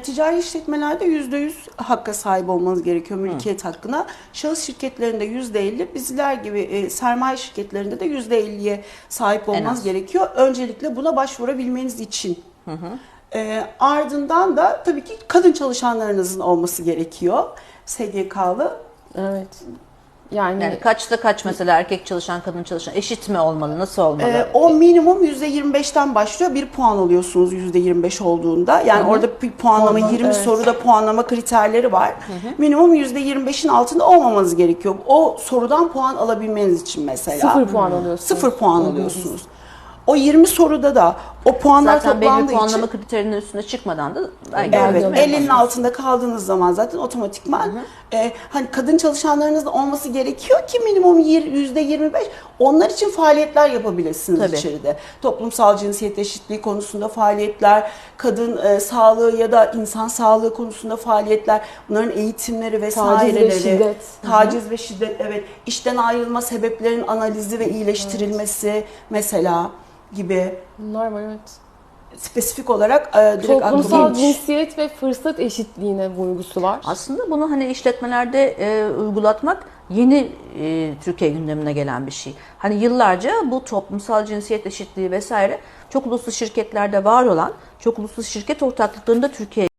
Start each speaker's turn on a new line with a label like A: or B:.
A: ticari işletmelerde %100 hakka sahip olmanız gerekiyor, mülkiyet hakkına. Şahıs şirketlerinde %50, bizler gibi sermaye şirketlerinde de %50'ye sahip olmanız gerekiyor. Öncelikle buna başvurabilmeniz için. Ardından da tabii ki kadın çalışanlarınızın olması gerekiyor. SGK'lı.
B: Evet. Yani
C: kaçta kaç mesela erkek çalışan, kadın çalışan eşit mi olmalı? Nasıl olmalı?
A: O minimum %25'ten başlıyor. 1 puan alıyorsunuz %25 olduğunda. Yani orada bir puanlama, 20 soruda puanlama kriterleri var. Minimum %25'in altında olmamanız gerekiyor. O sorudan puan alabilmeniz için mesela.
B: 0 puan alıyorsunuz.
A: 0 puan alıyorsunuz. O 20 soruda da o puanlar
C: Zaten belli
A: toplandığı
C: puanlama
A: için
C: kriterinin üstüne çıkmadan da
A: evet, 50'nin altında kaldığınız zaman zaten otomatikman hani kadın çalışanlarınız da olması gerekiyor ki minimum %25 onlar için faaliyetler yapabilirsiniz içeride. Toplumsal cinsiyet eşitliği konusunda faaliyetler, kadın sağlığı ya da insan sağlığı konusunda faaliyetler, bunların eğitimleri vesaireleri.
B: Taciz ve şiddet.
A: Taciz ve şiddet, evet. İşten ayrılma sebeplerinin analizi ve iyileştirilmesi mesela gibi.
B: Bunlar var, evet.
A: Spesifik olarak direkt
B: Toplumsal
A: aklıma
B: cinsiyet ve fırsat eşitliğine vurgusu var.
C: aslında bunu hani işletmelerde uygulatmak yeni Türkiye gündemine gelen bir şey. Hani yıllarca bu toplumsal cinsiyet eşitliği vesaire çok uluslu şirketlerde var olan, çok uluslu şirket ortaklıklarında Türkiye